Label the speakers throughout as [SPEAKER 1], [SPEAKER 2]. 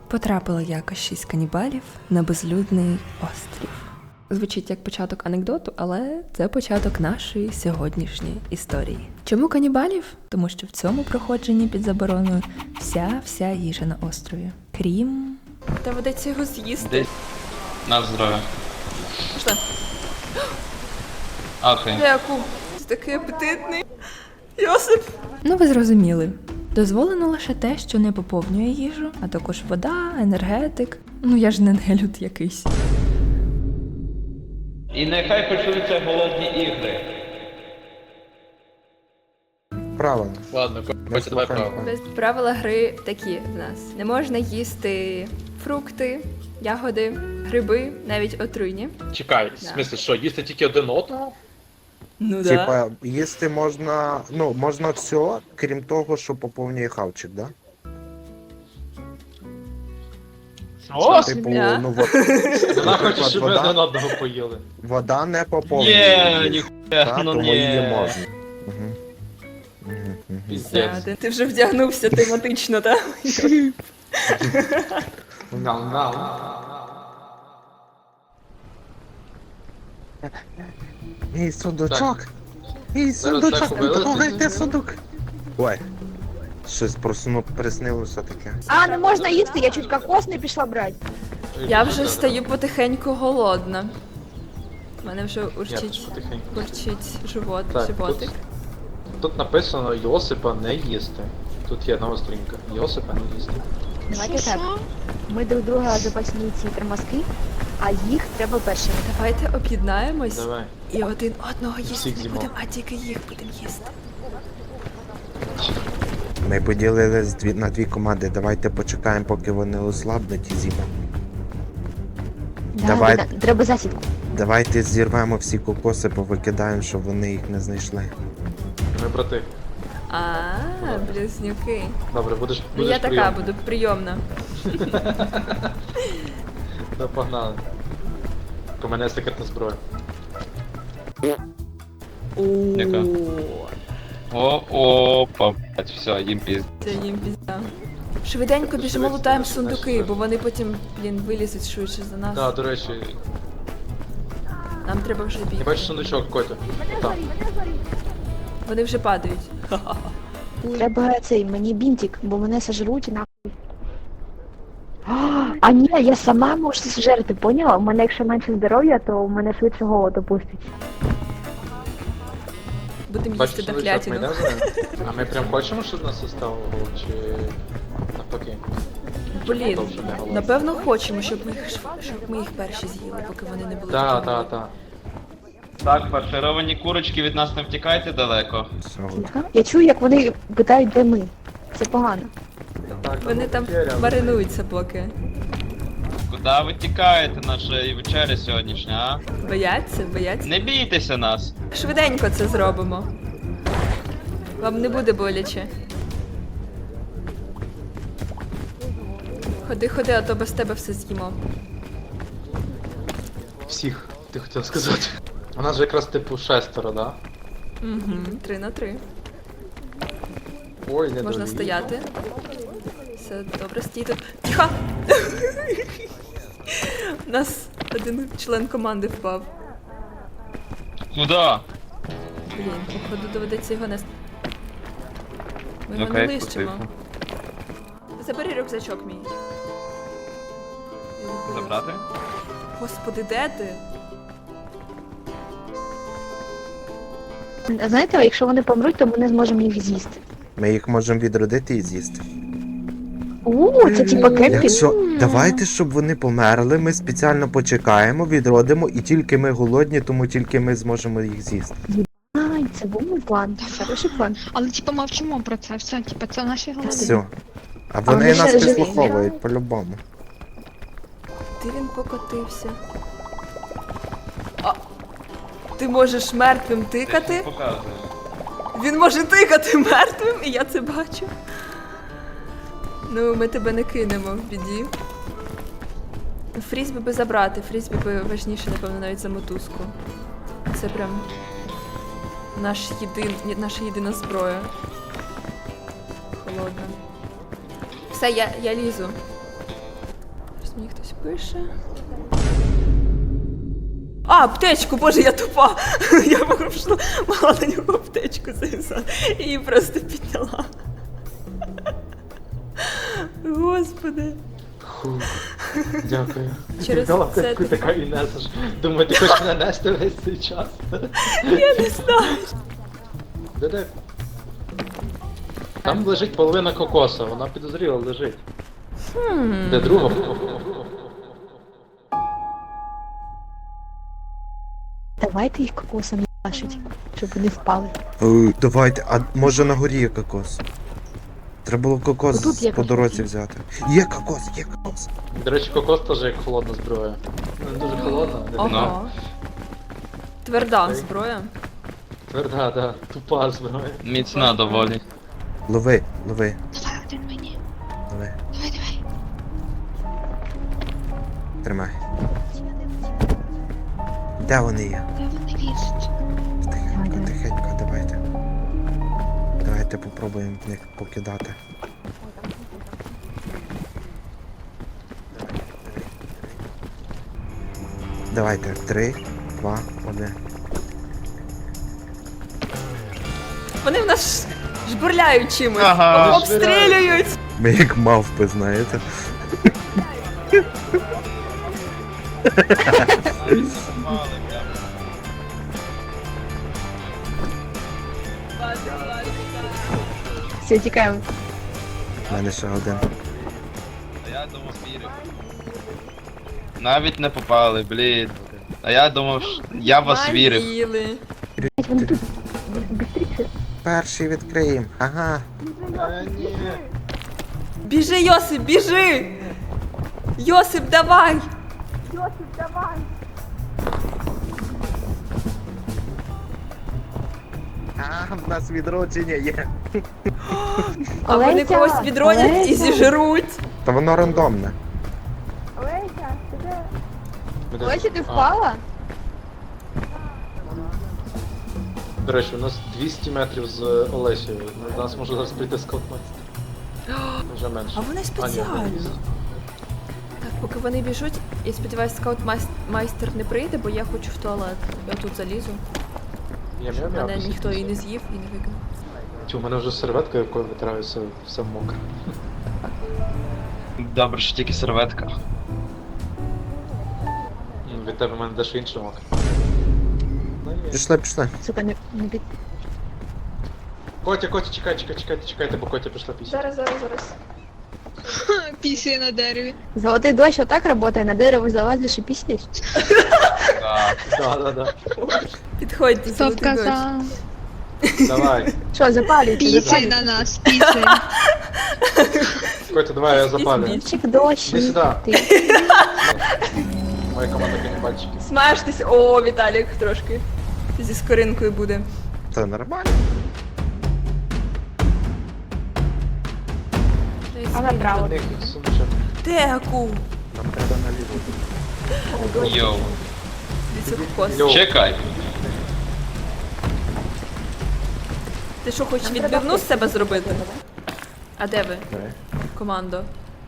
[SPEAKER 1] Потрапило якось 6 канібалів на безлюдний острів. Звучить як початок анекдоту, але це початок нашої сьогоднішньої історії. Чому канібалів? Тому що в цьому проходженні під забороною вся їжа на острові. Крім... Та ведеться його з'їсти.
[SPEAKER 2] Десь на здоров'я.
[SPEAKER 1] Пішли.
[SPEAKER 2] Окей.
[SPEAKER 1] Дякую. Ти такий апетитний. Йосип. Ну ви зрозуміли. Дозволено лише те, що не поповнює їжу, а також вода, енергетик. Ну я ж не нелюд якийсь.
[SPEAKER 2] І нехай почнуться голодні ігри.
[SPEAKER 3] Правильно.
[SPEAKER 2] Ладно, Котя, давай право.
[SPEAKER 1] Правила гри такі в нас. Не можна їсти фрукти, ягоди, гриби, навіть отруйні.
[SPEAKER 4] Чекай, в смислі, що, їсти тільки один одного?
[SPEAKER 1] Ну
[SPEAKER 3] Типа, їсти можна, можна все, крім того, що поповнює хавчик, да?
[SPEAKER 4] О,
[SPEAKER 3] Типу,
[SPEAKER 1] М'я.
[SPEAKER 4] вона хоче, щоб ми
[SPEAKER 3] вода,
[SPEAKER 4] один одного поїли.
[SPEAKER 3] вода не поповнює.
[SPEAKER 2] Є,
[SPEAKER 3] її,
[SPEAKER 2] ніхуя,
[SPEAKER 3] та,
[SPEAKER 2] ну
[SPEAKER 3] тому її
[SPEAKER 2] ні.
[SPEAKER 3] можна. Угу.
[SPEAKER 2] Піздець.
[SPEAKER 1] Ти вже вдягнувся тематично, так?
[SPEAKER 3] Ей, сундучок! Ей,
[SPEAKER 4] Зараз
[SPEAKER 3] сундучок!
[SPEAKER 4] так повелися.
[SPEAKER 3] Трогайте сундук! Ой, щось приснилося таке.
[SPEAKER 5] А, не можна їсти, я чуть кокос не пішла брати.
[SPEAKER 1] Я вже стаю потихеньку голодна. У мене вже
[SPEAKER 4] Я теж
[SPEAKER 1] урчить
[SPEAKER 4] потихеньку. Так,
[SPEAKER 1] животик.
[SPEAKER 4] Тут написано Йосипа не їсти. Тут є нова сторінка. Йосипа не їсти.
[SPEAKER 5] Давайте так. Ми друг друга запасні ці тормозки, а їх треба першими.
[SPEAKER 1] Давайте об'єднаємось
[SPEAKER 4] Давай.
[SPEAKER 1] і один одного їсти
[SPEAKER 4] Всіх
[SPEAKER 1] не
[SPEAKER 4] з'їмо.
[SPEAKER 1] будемо, а тільки їх будемо їсти.
[SPEAKER 3] Ми поділились на дві команди, давайте почекаємо, поки вони ослабнуть і з'їмо. Давай.
[SPEAKER 5] Треба засідку.
[SPEAKER 3] Давайте зірвемо всі кокоси, повикидаємо, щоб вони їх не знайшли.
[SPEAKER 4] Ми брати.
[SPEAKER 1] Близнюки.
[SPEAKER 4] Добре, будеш
[SPEAKER 1] Ну я така
[SPEAKER 4] прийом.
[SPEAKER 1] буду прийомна.
[SPEAKER 4] Да, погнали. У мене є секретна зброя.
[SPEAKER 2] Яка? Опа, блять, все, їм пізд.
[SPEAKER 1] Це їм пізда. Швиденько біжимо лутаємо сундуки, бо вони потім, вилізуть швидше за нас.
[SPEAKER 4] Так, до речі,
[SPEAKER 1] Нам треба вже
[SPEAKER 4] я
[SPEAKER 1] бігти.
[SPEAKER 4] бачу сундучок, Котя. Там.
[SPEAKER 1] Вони вже падають.
[SPEAKER 5] Треба цей, мені бінтик, бо мене сожруть і нахуй. А ні, я сама можу зжерти, поняла? У мене якщо менше здоров'я, то у мене швидше голод опустить.
[SPEAKER 1] Будемо
[SPEAKER 4] Бачиш
[SPEAKER 1] їсти
[SPEAKER 4] сундучок, ми
[SPEAKER 1] дохлятину.
[SPEAKER 4] йдемо за ним? А ми прям хочемо, щоб нас оставило, чи навпаки?
[SPEAKER 1] Блін,
[SPEAKER 4] Довше не голодні.
[SPEAKER 1] напевно хочемо, щоб ми їх перші з'їли, поки вони не були.
[SPEAKER 4] Так,
[SPEAKER 1] такі
[SPEAKER 4] так, так.
[SPEAKER 2] Так, фаршировані курочки, від нас не втікайте далеко.
[SPEAKER 3] Все.
[SPEAKER 5] Я чую, як вони питають, де ми. Це погано.
[SPEAKER 1] Вони там маринуються поки.
[SPEAKER 2] Куди ви тікаєте нашої вечері сьогоднішня, а?
[SPEAKER 1] Бояться?
[SPEAKER 2] Не бійтеся нас.
[SPEAKER 1] Швиденько це зробимо. Вам не буде боляче. Ходи, а то без тебе все з'їмо.
[SPEAKER 4] Всіх, ти хотів сказати. У нас же якраз типу 6, да?
[SPEAKER 1] Угу, 3 на 3.
[SPEAKER 4] Ой, не
[SPEAKER 1] Можна
[SPEAKER 4] довів.
[SPEAKER 1] стояти. Все добре, стій тут. Тихо! У нас один член команди впав.
[SPEAKER 2] Куда?
[SPEAKER 1] Блін, походу доведеться його нести. Ми його не
[SPEAKER 2] Окей,
[SPEAKER 1] лишимо.
[SPEAKER 2] потихо.
[SPEAKER 1] Забери рюкзачок мій.
[SPEAKER 2] Забрати?
[SPEAKER 1] Господи, де ти?
[SPEAKER 5] А знаєте, якщо вони помруть, то ми не зможемо їх з'їсти.
[SPEAKER 3] Ми їх можемо відродити і з'їсти.
[SPEAKER 5] Це типа кемпінг.
[SPEAKER 3] Якщо давайте, щоб вони померли, ми спеціально почекаємо, відродимо, і тільки ми голодні, тому тільки ми зможемо їх з'їсти.
[SPEAKER 5] Ай, це був мій план. Хороший план.
[SPEAKER 6] Але типу мовчимо про це, все, типу, це наші голови.
[SPEAKER 3] Все. А
[SPEAKER 5] вони
[SPEAKER 3] вони нас
[SPEAKER 5] ще живі,
[SPEAKER 3] підслуховують по-любому.
[SPEAKER 1] Де він покотився? А, ти можеш мертвим тикати?
[SPEAKER 2] Показує.
[SPEAKER 1] Він може тикати мертвим, і я це бачу. Ну, ми тебе не кинемо в біді. Фрізбі би забрати, фрізбі би важніше, напевно, навіть за мотузку. Це прям наша єдина зброя. Холодна. Все, я лізу. мені хтось пише. А, аптечку, боже, я тупа. Я попрошу, мала на нього аптечку зав'язати. І її просто підняла. Господи.
[SPEAKER 4] Фу. Дякую.
[SPEAKER 1] Через
[SPEAKER 4] Дала
[SPEAKER 1] це
[SPEAKER 4] аптечку,
[SPEAKER 1] ти-
[SPEAKER 4] така і несеш. Думаю, ти хочеш мене нести весь цей час.
[SPEAKER 1] Я не знаю.
[SPEAKER 4] Де? Там лежить половина кокоса, вона підозріла лежить. Де друга?
[SPEAKER 5] Давайте їх кокосом їбашить, щоб вони впали.
[SPEAKER 3] Давайте, а може на горі є кокос? Треба було кокос
[SPEAKER 5] Отут є
[SPEAKER 3] по дорозі
[SPEAKER 5] кокос.
[SPEAKER 3] взяти. Є кокос, є кокос.
[SPEAKER 4] До речі, кокос теж як холодна зброя. Ну, не дуже холодна, не така
[SPEAKER 1] Ага. Тверда зброя.
[SPEAKER 4] тверда, да. Тупа зброя.
[SPEAKER 2] Міцна доволі.
[SPEAKER 3] Лови.
[SPEAKER 6] Давай один мені.
[SPEAKER 3] Давай.
[SPEAKER 6] Давай.
[SPEAKER 3] Тримай. Де вони є?
[SPEAKER 6] Де вони лізуть?
[SPEAKER 3] Тихенько, тихенько, давайте. Давайте попробуємо в них покидати. Давайте, 3, 2, 1.
[SPEAKER 1] Вони в нас жбурляють чимось.
[SPEAKER 2] Ага.
[SPEAKER 1] Обстрілюють.
[SPEAKER 3] Ми як мавпи, знаєте.
[SPEAKER 5] Все, тікаємо.
[SPEAKER 3] У мене ще один.
[SPEAKER 2] А я думав, вірив. Навіть не попали, блін. А я думав, я в вас вірив.
[SPEAKER 1] Манили.
[SPEAKER 5] Вони тут. Быстріше.
[SPEAKER 3] Перший відкриємо. Ага.
[SPEAKER 4] Ні.
[SPEAKER 1] Біжи, Йосип, біжи! Йосип, давай!
[SPEAKER 3] А, в нас відродження є.
[SPEAKER 1] А вони
[SPEAKER 5] Олеся,
[SPEAKER 1] когось відронять і
[SPEAKER 5] Олеся.
[SPEAKER 1] зіжруть.
[SPEAKER 3] Та воно рандомне.
[SPEAKER 5] Олеся, ти впала?
[SPEAKER 4] До речі, у нас 200 метрів з Олесією. До нас може зараз прийти скаутмайстер. Вже менше.
[SPEAKER 1] А вони
[SPEAKER 4] ні,
[SPEAKER 1] спеціально.
[SPEAKER 4] не лізе.
[SPEAKER 1] Так, поки вони біжуть, я сподіваюся, скаут-майстер не прийде, бо я хочу в туалет. Я тут залізу.
[SPEAKER 4] Я
[SPEAKER 1] Щоб
[SPEAKER 4] м'яу-м'яу
[SPEAKER 1] мене
[SPEAKER 4] після
[SPEAKER 1] ніхто і
[SPEAKER 4] цього.
[SPEAKER 1] не з'їв, і не викинув.
[SPEAKER 4] Тю, у мене вже серветка, якою витираюся, все мокре.
[SPEAKER 2] Добре, що тільки серветка.
[SPEAKER 4] Ну, від тебе в мене дещо інше мокре. Ну, є.
[SPEAKER 3] Пішли.
[SPEAKER 5] Сука, не під...
[SPEAKER 4] Котя, чекайте, бо Котя пішла після.
[SPEAKER 5] зараз.
[SPEAKER 6] Після на дереві.
[SPEAKER 5] Золотий дощ отак працює, на дерево залазиш і пісняш.
[SPEAKER 2] Так.
[SPEAKER 4] Да.
[SPEAKER 1] Підходьте,
[SPEAKER 6] Хто
[SPEAKER 1] золотий дощ.
[SPEAKER 6] вказав?
[SPEAKER 4] Давай.
[SPEAKER 5] Що, запалюйте,
[SPEAKER 6] Після на нас, після.
[SPEAKER 4] Котя, давай я запалю.
[SPEAKER 5] Дощик, дощ.
[SPEAKER 4] Іди сюди.
[SPEAKER 5] Ти.
[SPEAKER 4] Моя команда канібальчиків.
[SPEAKER 1] Смажтесь. О, Віталік трошки. Зі скоринкою буде.
[SPEAKER 3] Та нормально.
[SPEAKER 5] А направо.
[SPEAKER 4] Них сумче.
[SPEAKER 1] Теку.
[SPEAKER 3] Нам треба наліво.
[SPEAKER 2] Йоу.
[SPEAKER 1] Дивіться, кокос.
[SPEAKER 4] Йоу.
[SPEAKER 2] Чекай.
[SPEAKER 1] Ти що, хочеш відбивну з себе зробити? А де ви,
[SPEAKER 3] Давай.
[SPEAKER 1] командо?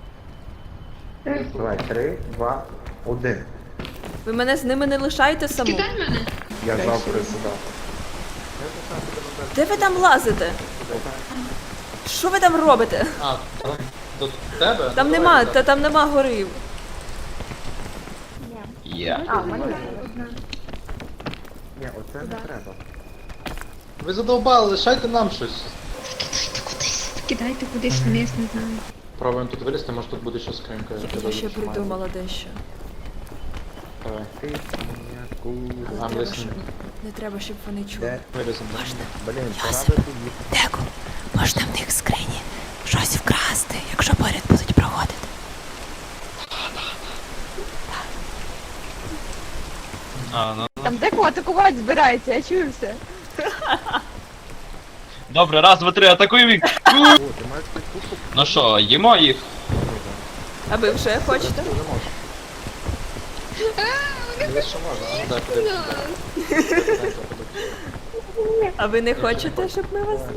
[SPEAKER 3] Давай, 3, 2, 1.
[SPEAKER 1] Ви мене з ними не лишаєте саму?
[SPEAKER 6] Кидай мене.
[SPEAKER 3] Я завтра сюди.
[SPEAKER 1] Де ви там лазите? Що ви там робите?
[SPEAKER 4] А, до тебе?
[SPEAKER 1] Там
[SPEAKER 4] Ну,
[SPEAKER 1] нема,
[SPEAKER 4] давай,
[SPEAKER 1] та там нема гори.
[SPEAKER 2] Я.
[SPEAKER 5] А, в мене є.
[SPEAKER 3] Ні, оце не треба.
[SPEAKER 4] Ви задовбали, лишайте нам щось.
[SPEAKER 6] Кидайте кудись вниз, не знаю.
[SPEAKER 4] Пробуємо тут вилізти, може тут буде ще скринька.
[SPEAKER 1] Я ще придумала дещо.
[SPEAKER 4] Давай.
[SPEAKER 1] Але
[SPEAKER 4] I'm
[SPEAKER 1] треба,
[SPEAKER 4] listening.
[SPEAKER 1] щоб... Не треба, щоб вони чули.
[SPEAKER 3] Де?
[SPEAKER 4] Виліземо.
[SPEAKER 3] Блін, пора би тоді.
[SPEAKER 1] Деку, можна в них в скрині щось вкрасти, якщо поряд будуть проводити.
[SPEAKER 2] А, ну.
[SPEAKER 5] Там декого атакувати збирається, я чую все.
[SPEAKER 2] Добре, раз, два, три, атакуємо їх.
[SPEAKER 3] О, ти маєш підкупку?
[SPEAKER 2] Ну що, їмо їх?
[SPEAKER 1] А ви вже хочете?
[SPEAKER 4] Не можеш. Не що можна, а ну дай подивитися.
[SPEAKER 1] А ви не хочете, щоб ми вас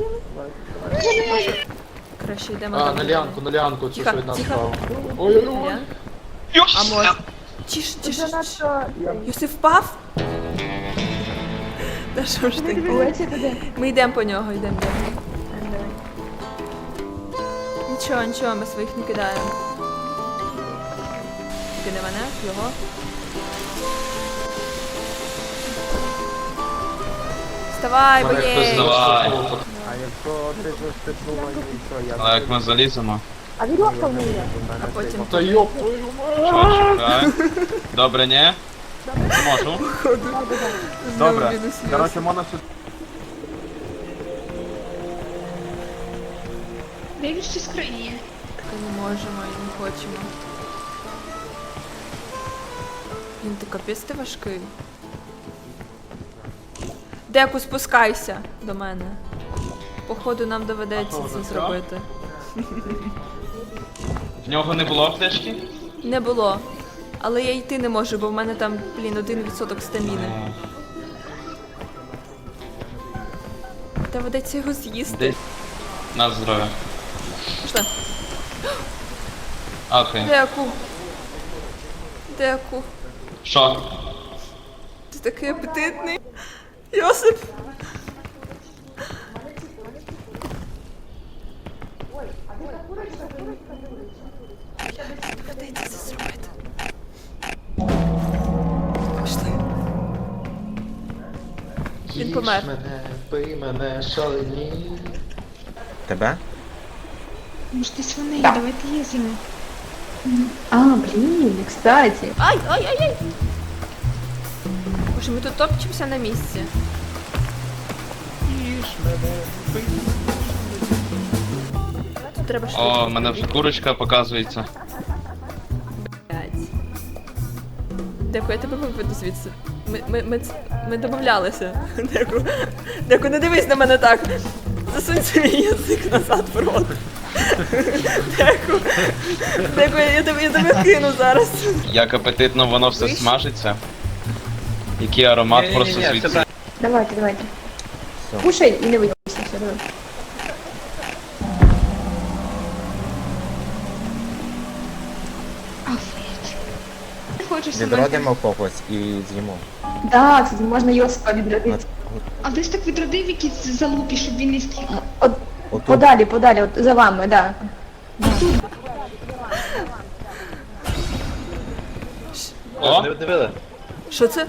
[SPEAKER 1] з'їли? Краще йдемо
[SPEAKER 4] А,
[SPEAKER 1] там.
[SPEAKER 4] на ліанку, цю
[SPEAKER 1] Тихо,
[SPEAKER 4] що від нас
[SPEAKER 1] тихо.
[SPEAKER 4] справа. Ой-ой-ой.
[SPEAKER 1] Ліан? А може. Тише, тише. Йосиф впав? Та що ж ти?
[SPEAKER 5] Олеся туди.
[SPEAKER 1] Ми йдемо по нього, йдемо. Нічого, нічого, ми своїх не кидаємо. Тільки не мене, його. Вставай,
[SPEAKER 4] Мене хтось
[SPEAKER 1] боєць!
[SPEAKER 2] Давай.
[SPEAKER 4] заштовхнув.
[SPEAKER 3] А якщо ти застепнула і що,
[SPEAKER 2] Але як ми заліземо?
[SPEAKER 5] А вірьовка в неї.
[SPEAKER 1] А потім
[SPEAKER 4] Та йоп твою мать!
[SPEAKER 2] Що, чекай. Добре, ні? Не можу.
[SPEAKER 1] знову мінус Йосип.
[SPEAKER 3] можна сюди.
[SPEAKER 6] Дивись, що скриє.
[SPEAKER 1] Не можемо і не хочемо. Він ти капець ти важкий. Деку, спускайся до мене. Походу нам доведеться
[SPEAKER 4] А що,
[SPEAKER 1] це
[SPEAKER 4] вже
[SPEAKER 1] зробити.
[SPEAKER 2] В нього не було аптечки?
[SPEAKER 1] Не було. Але я йти не можу, бо в мене там, 1% стаміни. Доведеться його з'їсти.
[SPEAKER 2] Десь. На здоров'я.
[SPEAKER 1] Пішли.
[SPEAKER 2] Окей.
[SPEAKER 1] Деку. Деку.
[SPEAKER 2] Що?
[SPEAKER 1] Ти такий апетитний. Йосип. Доведеться це зробити. Пішли. Він помер.
[SPEAKER 4] Їж мене, пий мене, шалені.
[SPEAKER 3] Тебе?
[SPEAKER 6] Може, десь вони є, давайте їздимо.
[SPEAKER 5] А, блін, кстати.
[SPEAKER 1] Ай, ай, ай, ай! Боже, ми тут топчемося на місці. Тут треба швидко.
[SPEAKER 2] О, в мене вже курочка показується.
[SPEAKER 1] Блядь. Деку, я тебе виведу звідси. Ми домовлялися. Деку, не дивись на мене так. Засунь свій язик назад в рот. Деку, я тебе кину зараз.
[SPEAKER 2] Як апетитно воно все
[SPEAKER 1] Вийшло?
[SPEAKER 2] смажиться. Який аромат просто звідси.
[SPEAKER 5] Давайте.
[SPEAKER 3] Все.
[SPEAKER 5] Кушай і не вийдися. Все, давай.
[SPEAKER 6] Афет. Не хочу сама.
[SPEAKER 3] Відродимо когось і з'їмо.
[SPEAKER 5] Так, кстати, можна Йосипа відродити.
[SPEAKER 6] А десь так відродив якісь залупі, щоб він не стріг.
[SPEAKER 5] От,
[SPEAKER 3] Отут.
[SPEAKER 5] подалі, от за вами, да.
[SPEAKER 2] О,
[SPEAKER 4] Не дивили?
[SPEAKER 1] Що це?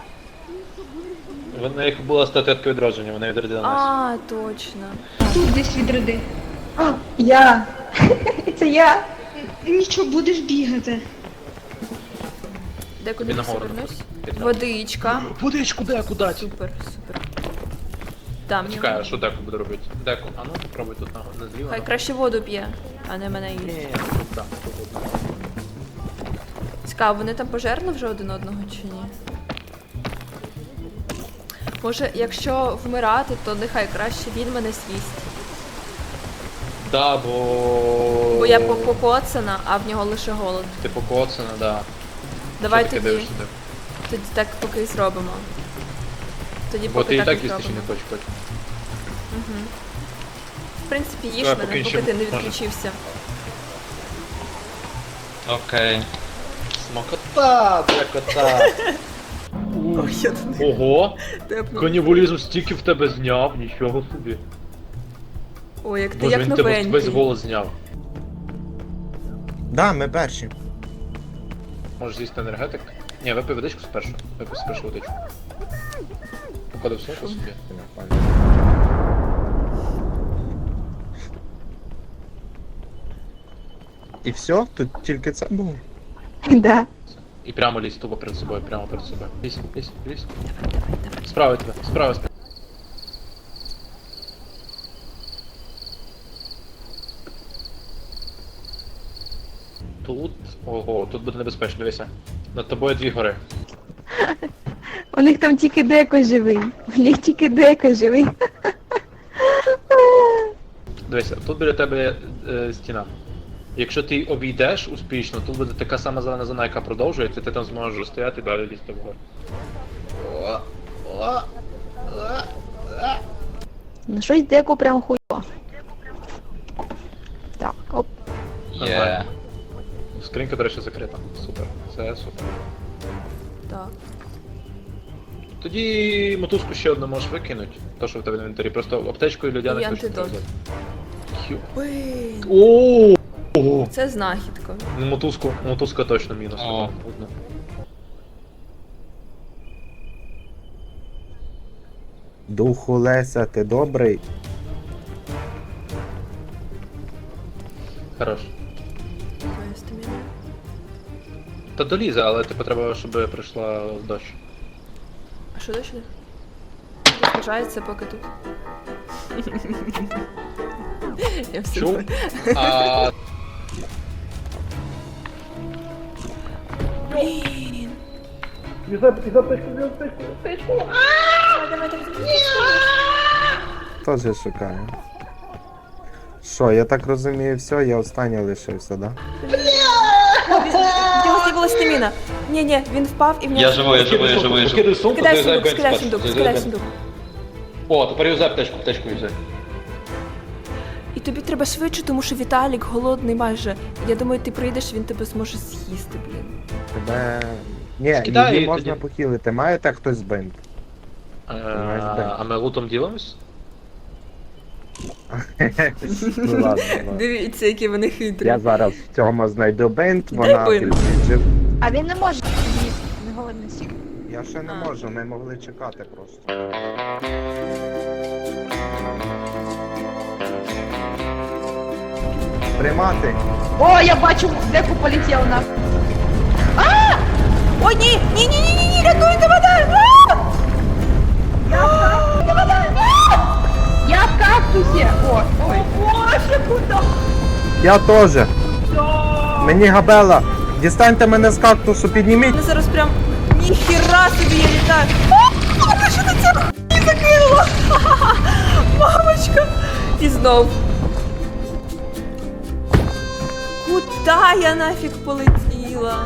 [SPEAKER 4] В них була статуетка відродження, вони відродили нас.
[SPEAKER 1] А, точно.
[SPEAKER 6] Тут десь відроди.
[SPEAKER 5] А, я. Це я.
[SPEAKER 6] Нічого, будеш бігати.
[SPEAKER 1] Деку,
[SPEAKER 4] Тобі
[SPEAKER 1] не
[SPEAKER 4] нагору
[SPEAKER 1] повернусь.
[SPEAKER 4] написано.
[SPEAKER 1] Водичка.
[SPEAKER 4] Водичку, деку дать.
[SPEAKER 1] Супер. Там.
[SPEAKER 4] Чекай, а що деку буде робити? Деку, а ну попробуй тут на зліва.
[SPEAKER 1] Хай краще воду п'є, а не мене їсть.
[SPEAKER 4] Ні, тут так, тут воду.
[SPEAKER 1] Цікаво, вони там пожерли вже один одного чи ні? Може, якщо вмирати, то нехай краще він мене з'їсть.
[SPEAKER 4] Да, бо...
[SPEAKER 1] Бо я покоцана, а в нього лише голод.
[SPEAKER 4] Ти покоцана, да.
[SPEAKER 1] Давай
[SPEAKER 4] Що таке
[SPEAKER 1] тоді,
[SPEAKER 4] дивишся, деку?
[SPEAKER 1] тоді так поки і зробимо. Тоді
[SPEAKER 4] Бо
[SPEAKER 1] поки
[SPEAKER 4] ти і
[SPEAKER 1] так
[SPEAKER 4] так
[SPEAKER 1] і
[SPEAKER 4] їсти ще
[SPEAKER 1] зробимо.
[SPEAKER 4] не хочеш хоч.
[SPEAKER 1] В принципі, їж
[SPEAKER 4] Давай,
[SPEAKER 1] мене,
[SPEAKER 4] поки
[SPEAKER 1] поки
[SPEAKER 4] ще
[SPEAKER 1] ти не
[SPEAKER 4] може.
[SPEAKER 1] відключився.
[SPEAKER 2] окей.
[SPEAKER 4] Смакота, декота.
[SPEAKER 1] Ой, я тут
[SPEAKER 4] Ого,
[SPEAKER 1] тепну.
[SPEAKER 4] канібалізм стільки в тебе зняв, нічого собі.
[SPEAKER 1] Ой, як ти
[SPEAKER 4] Боже,
[SPEAKER 1] як
[SPEAKER 4] він тебе весь
[SPEAKER 1] новенький.
[SPEAKER 4] голос зняв.
[SPEAKER 3] Да, ми перші.
[SPEAKER 4] Можеш з'їсти енергетик? Ні, випий водичку спершу. Випий спершу водичку. Поклади в сумку собі.
[SPEAKER 3] І все? Тут тільки це було?
[SPEAKER 5] Да.
[SPEAKER 4] І прямо лізь, тупо перед собою, прямо перед собою. Лізь. Справа тебе, справа. Тут, ого, тут буде небезпечно, дивися. Над тобою 2 гори.
[SPEAKER 5] У них там тільки деко живий. У них тільки деко живий.
[SPEAKER 4] Дивися, тут біля тебе стіна. Якщо ти обійдеш успішно, тут буде така сама зелена зона, яка продовжується, ти там зможеш стояти і далі лізти вгору.
[SPEAKER 5] Ну щось деко прям хуйо. Так, оп.
[SPEAKER 2] Є.
[SPEAKER 4] Скринька, до речі, закрита. Супер. Це супер.
[SPEAKER 1] Так.
[SPEAKER 4] Тоді мотузку ще одну можеш викинути. То, що в тебе в інвентарі. Просто аптечку і
[SPEAKER 1] І
[SPEAKER 4] людяник точно
[SPEAKER 1] антидот.
[SPEAKER 4] треба взяти.
[SPEAKER 1] Блін.
[SPEAKER 4] О!
[SPEAKER 1] Це знахідка.
[SPEAKER 4] Ну, мотузка точно мінус.
[SPEAKER 2] О.
[SPEAKER 4] Одна.
[SPEAKER 3] Духу Леся, ти добрий?
[SPEAKER 4] Хорош.
[SPEAKER 1] Моя стаміна.
[SPEAKER 4] Та долізе, але типу треба, щоб прийшла дощ.
[SPEAKER 1] А що далі? Розважається поки тут. Я все
[SPEAKER 4] Чув?
[SPEAKER 1] знаю.
[SPEAKER 4] А
[SPEAKER 1] Блін.
[SPEAKER 3] Теж шукаю. Що, я так розумію, все, я останній лишився, да?
[SPEAKER 1] В нього з'явилась стаміна. Ні, він впав і в нього...
[SPEAKER 2] Я живу, я живу, я живу, я живу.
[SPEAKER 4] Скидай сумку,
[SPEAKER 1] Скидай
[SPEAKER 4] залізай
[SPEAKER 1] сундук,
[SPEAKER 4] в
[SPEAKER 1] скидай
[SPEAKER 4] бенз
[SPEAKER 1] сундук,
[SPEAKER 4] перший,
[SPEAKER 1] скидай
[SPEAKER 4] залізай в
[SPEAKER 1] сундук.
[SPEAKER 4] бенз. О, тепер юзай аптечку юзай.
[SPEAKER 1] І тобі треба швидше, тому що Віталік голодний майже. Я думаю, ти прийдеш, він тебе зможе з'їсти, блін.
[SPEAKER 3] Тебе. Ні,
[SPEAKER 4] Скидай
[SPEAKER 3] її
[SPEAKER 4] її
[SPEAKER 3] можна
[SPEAKER 4] тоді.
[SPEAKER 3] похилити. Маєте хтось бинт?
[SPEAKER 4] А ми лутом ділимось?
[SPEAKER 3] Ну ладно, ладно.
[SPEAKER 1] Дивіться, які вони хитрі.
[SPEAKER 3] Я зараз в цьому знайду бинт,
[SPEAKER 1] Де
[SPEAKER 3] вона
[SPEAKER 1] бинт?
[SPEAKER 3] підвіжив.
[SPEAKER 5] А він не може їсти, не голодний сік.
[SPEAKER 3] Я ще не
[SPEAKER 1] А.
[SPEAKER 3] можу, ми могли чекати просто. Приймати!
[SPEAKER 5] О, я бачу, деку полетів на.
[SPEAKER 1] О, ні, рятуйте мене!
[SPEAKER 5] Я в кактусі! О, ой. Боже, куди?
[SPEAKER 3] Я теж! Мені габела! Дістаньте мене з кактусу, підніміть!
[SPEAKER 1] Мене зараз прям ніхіра собі я літаю. А що ти це хуй закинула? Мамочка! І знов. Куда я нафіг полетіла?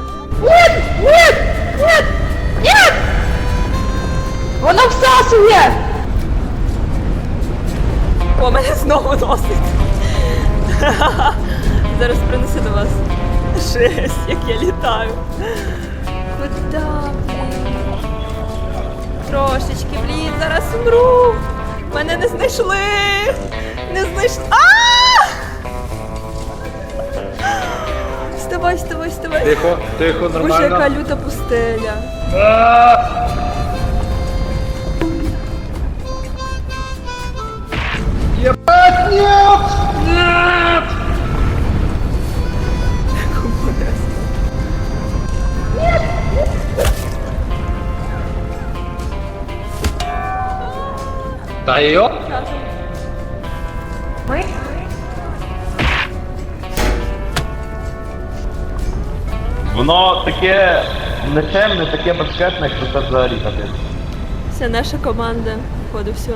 [SPEAKER 5] Воно всасує!
[SPEAKER 1] О, мене знову носить. Зараз принесу до вас. Жесть, як я літаю. Куда, блін? Трошечки, блін, зараз умру. Мене не знайшли. Не знайшли. Вставай, вставай, вставай.
[SPEAKER 4] Тихо,
[SPEAKER 1] Боже, яка
[SPEAKER 4] нормально.
[SPEAKER 1] люта пустеля.
[SPEAKER 4] Та йо?
[SPEAKER 5] Ми?
[SPEAKER 2] Воно таке нечемне, таке башкетне, що це взагалі капець.
[SPEAKER 1] Вся наша команда. Походу, все.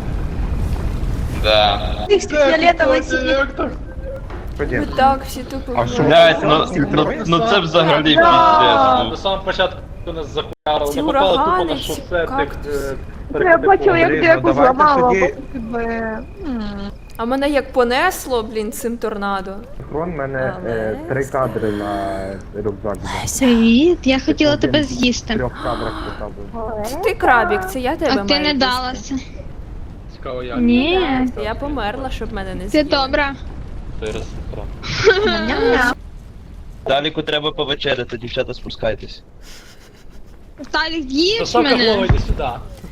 [SPEAKER 2] Да.
[SPEAKER 5] Фіолетовий сік.
[SPEAKER 1] Ми
[SPEAKER 3] Ходім.
[SPEAKER 1] так всі тупо.
[SPEAKER 3] А що?
[SPEAKER 2] Блять, ну це взагалі піздець.
[SPEAKER 4] На
[SPEAKER 2] ну.
[SPEAKER 4] самому початку нас захуярили,
[SPEAKER 1] Ці
[SPEAKER 4] ми попали тупо
[SPEAKER 1] урагани,
[SPEAKER 4] на
[SPEAKER 1] ці
[SPEAKER 4] шосе тих
[SPEAKER 1] кактуси.
[SPEAKER 5] Я бачила, як
[SPEAKER 3] Андрій,
[SPEAKER 5] деку
[SPEAKER 3] ну давайте
[SPEAKER 5] зламала,
[SPEAKER 3] тоді-
[SPEAKER 5] потім тебе...
[SPEAKER 1] А мене як понесло, блін, цим торнадо.
[SPEAKER 3] Хрон мене
[SPEAKER 1] Але
[SPEAKER 3] 3 кадри на рюкзак. дав.
[SPEAKER 6] Привіт, я хотіла
[SPEAKER 3] Один
[SPEAKER 6] тебе
[SPEAKER 3] В
[SPEAKER 6] з'їсти.
[SPEAKER 3] 3 кадрах поставив.
[SPEAKER 1] Ти крабік, це я тебе
[SPEAKER 6] А
[SPEAKER 1] маю
[SPEAKER 6] ти не
[SPEAKER 1] їсти.
[SPEAKER 6] далася.
[SPEAKER 4] Цікаво, як.
[SPEAKER 6] Ні,
[SPEAKER 1] Я померла, щоб мене не
[SPEAKER 6] ти
[SPEAKER 1] з'їли.
[SPEAKER 6] добра.
[SPEAKER 4] Той ресторан.
[SPEAKER 5] Ням-ням.
[SPEAKER 2] Даліку треба повечеряти, дівчата, спускайтесь.
[SPEAKER 6] Віталік, їж
[SPEAKER 4] Сока
[SPEAKER 6] мене.
[SPEAKER 4] Флова, йди сюди.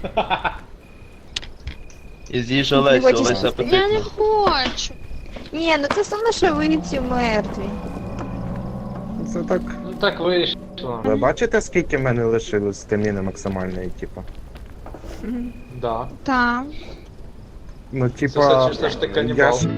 [SPEAKER 2] І з'їж Олесю,
[SPEAKER 5] хочеш
[SPEAKER 2] Олеся
[SPEAKER 5] їсти?
[SPEAKER 6] Я не
[SPEAKER 2] апетитна.
[SPEAKER 6] хочу.
[SPEAKER 5] Ні, ну це саме, що ви ці мертві.
[SPEAKER 3] Це так.
[SPEAKER 4] Ну так вийшло.
[SPEAKER 3] Ви бачите, скільки в мене лишилось стаміни максимальної, типу?
[SPEAKER 4] Да.
[SPEAKER 6] Так.
[SPEAKER 3] Ну,
[SPEAKER 4] Це
[SPEAKER 3] типа.
[SPEAKER 4] все ж ти
[SPEAKER 3] я
[SPEAKER 4] канібал.
[SPEAKER 3] ж-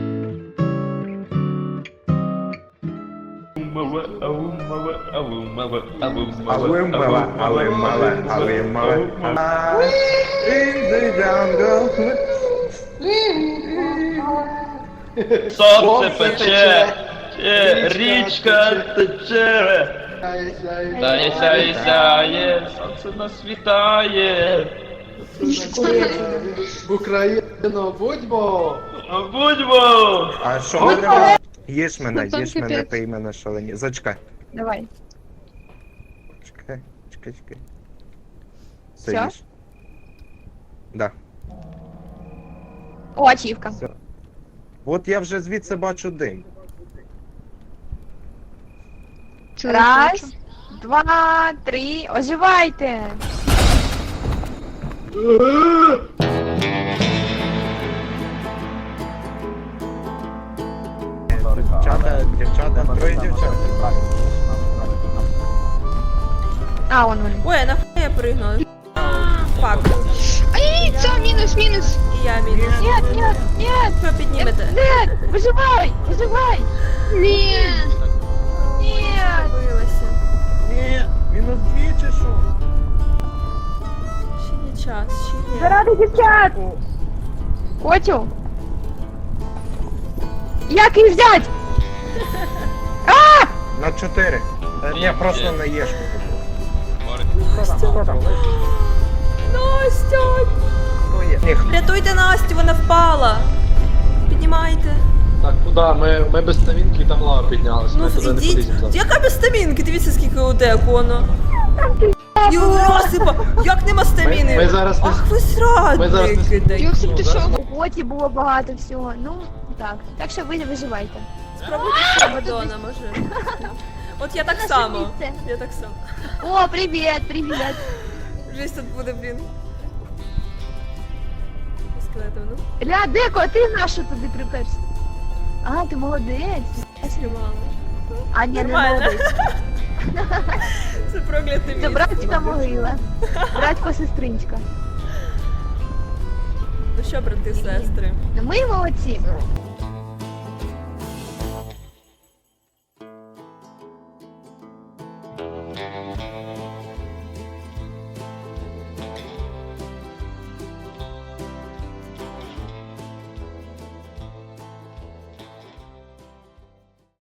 [SPEAKER 2] Сонце пече, річка тече. Сяє, сяє, сяє, сонце нас вітає.
[SPEAKER 7] Україно, будьмо!
[SPEAKER 2] Будьмо!
[SPEAKER 3] А що мене? Їж мене,
[SPEAKER 6] Ну, там
[SPEAKER 3] їж мене,
[SPEAKER 6] капець.
[SPEAKER 3] пий мене шалені. Зачекай.
[SPEAKER 5] Давай.
[SPEAKER 3] Чекай.
[SPEAKER 5] Всё?
[SPEAKER 3] Стоїш. Да.
[SPEAKER 5] О, ачівка.
[SPEAKER 3] Все. От я вже звідси бачу дим.
[SPEAKER 6] Це
[SPEAKER 5] Раз,
[SPEAKER 6] бачу.
[SPEAKER 5] 2, 3, оживайте!
[SPEAKER 3] Дівчата, троє дівчат.
[SPEAKER 5] А, вон вони.
[SPEAKER 1] Ой, а нахуй я пригнула? Фак.
[SPEAKER 6] Ай, це мінус.
[SPEAKER 1] І я мінус.
[SPEAKER 5] Нет, нет, нет!
[SPEAKER 1] Ви піднімете.
[SPEAKER 5] Нет! Выживай! Выживай!
[SPEAKER 6] Ні.
[SPEAKER 5] Нет!
[SPEAKER 1] Забилася.
[SPEAKER 3] Ні, мінус 2 чи що?
[SPEAKER 1] Ще є час, ще є.
[SPEAKER 5] Заради дівчат! Котю! Як їх взять?
[SPEAKER 3] На 4. Ні, просто на єшку.
[SPEAKER 1] Настя!
[SPEAKER 3] Хто є? Ні,
[SPEAKER 1] Рятуйте Настю, вона впала! Піднімайте.
[SPEAKER 4] Так, куди? Ми без стамінки і там лава піднялась.
[SPEAKER 1] Ну,
[SPEAKER 4] Ми туди не
[SPEAKER 1] ідіть.
[SPEAKER 4] поліземо зараз.
[SPEAKER 1] Яка без стамінки? Дивіться, скільки у декону. І розсипа! Як нема
[SPEAKER 4] Ми
[SPEAKER 1] стаміни?
[SPEAKER 4] зараз не...
[SPEAKER 1] Ах, ви
[SPEAKER 4] Ми зараз
[SPEAKER 1] зрадники!
[SPEAKER 4] не-
[SPEAKER 1] дай.
[SPEAKER 6] Йосип, ти що?
[SPEAKER 5] У Коті було багато всього. Ну, так. Так що ви не виживайте.
[SPEAKER 1] Спробуйте з Мадонна, може. От я так
[SPEAKER 5] Наше
[SPEAKER 1] само.
[SPEAKER 5] місце.
[SPEAKER 1] Я так само.
[SPEAKER 5] О, привіт, привіт.
[SPEAKER 1] Жесть тут буде, блін. Скелетом, ну.
[SPEAKER 5] Ля, Деко, ти нашу туди приперся? А, ти молодець.
[SPEAKER 1] Знімала.
[SPEAKER 5] А, ні, не
[SPEAKER 1] Нормально.
[SPEAKER 5] молодець.
[SPEAKER 1] Це прокляте місце.
[SPEAKER 5] Це братська могила. Братько сестричка.
[SPEAKER 1] Ну що, брати, сестри?
[SPEAKER 5] Ну ми молодці.